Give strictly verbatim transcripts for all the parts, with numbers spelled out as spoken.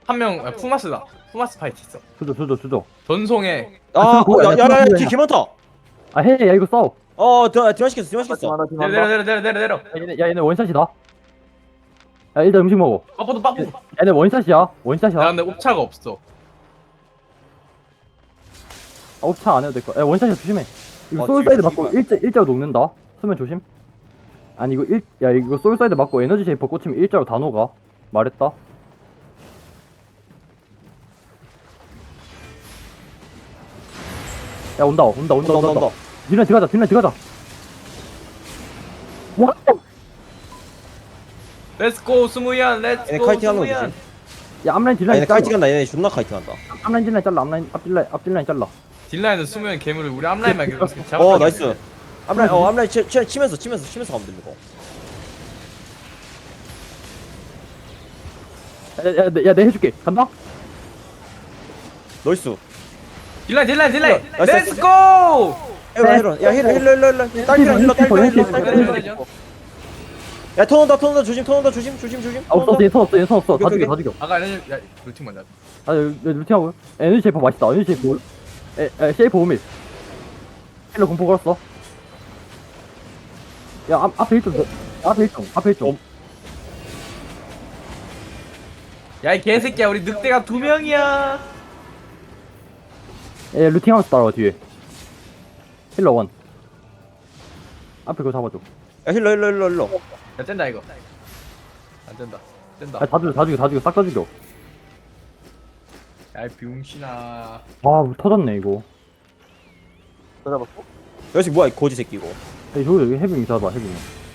한 명 아, 푸마스다. 푸마스 파이트 있어. 주죠 주죠 주죠. 전송에 아, 그거 어, 야, 야, 야, 야, 야, 그거 뒤에 개 많다. 아 해 야 이거 싸워. 어, 드, 디마 시켰어, 디마 시켰어. 팀한다 내려 팀한다. 내려 내려 내려 내려. 야 얘네, 야 얘네 원샷이다. 야 일단 음식 먹어. 빠뽀도 빠뽀. 야 얘네 원샷이야 원샷이야. 근데 옵차가 없어. 아, 옵차 안 해도 될 거야. 야 원샷이야 조심해. 이거 어, 솔사이드 뒤에 맞고 뒤에 일자 일자로 녹는다. 수면 조심. 아니 이거 일 야 이거 솔사이드 맞고 에너지 쉐이퍼 꽂히면 일자로 다 녹아. 말했다. 야 온다 온다 온다 온다 온다. 뒷라인 들어가자 뒷라인 들어가자. 와. 렛츠고 스무이안 얘네 렛츠고 카이팅 하는 거 스무이안. 조심. 야 앞라인 아, 뒷라인 얘네 잘라. 카이팅 한다, 얘네 존나 카이팅 한다. 앞라인 뒷라인 잘라 앞라인 앞뒷라인 앞뒷라인 잘라. 딜라인은 스무이안 괴물을 우리 앞라인만 계속 잡아. 어, 나이스. 앞라인, 어, 앞라인 치, 치, 치면서, 치면서, 치면서 가면 됩니다. 야야내 해줄게 간다. 나이스. 딜라인 딜라인 딜라인. 나이스, 나이스. 렛츠고. 헤로, 헤로. 야, 헤로, 헬로, 헬로, 헬로. 딸기랑 힐러, 딸기랑 힐러, 딸기랑 힐러. 야, 턴 온다, 턴 온다, 조심, 턴 온다, 조심, 조심, 조심. 아 없어 얘선 없어 얘선 없어 다 오케이, 죽여 다 죽여. 아까 에너지 야 루팅 먼저. 아 여기 루팅하고 에너지 쉐이퍼 맛있다 에너지 쉐이퍼 에, 에 쉐이퍼 오밀 힐러 공포 걸었어. 야 앞, 앞에 일점 앞에 일점 앞에 일점. 야 이 개새끼야 우리 늑대가 두 명이야. 에 루팅하면서 따라와 뒤에. 힐러 원 앞에 그거 잡아줘. 야, 힐러, 힐러, 힐러, 힐러. 야 뗀다 이거. 안 된다. 뗀다. 아다 죽여 다 죽여 다 죽여 싹 다 죽여. 야이 병신아. 아 터졌네 이거. 다 잡았어? 여기서 뭐야, 이 거지 새끼 이거. 야 저기 여기 헤비미 잡아 헤비미.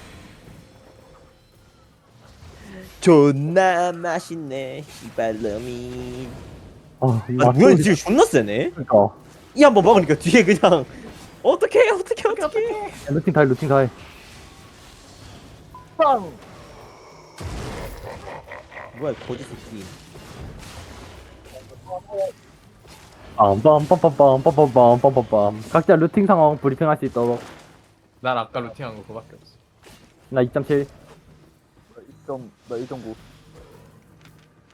존나 맛있네, 이발놈이. 아 이거 아, 뭐야, 맞춰- 지금 존나 세네? 그러니까. 이 한 번 막으니까 뒤에 그냥. 어떡해, 어떡해, 어떡해. 야, 루팅 다해 루팅 다해. 빵! 뭐야, 이 거지 새끼. 빰빰빰빰빰빰빰빰빰빰 각자 루팅 상황 브리핑 할 수 있도록. 난 아까 루팅한 거 그거밖에 없어. 나 이 점 칠. 나 이 점, 나 일 점 구.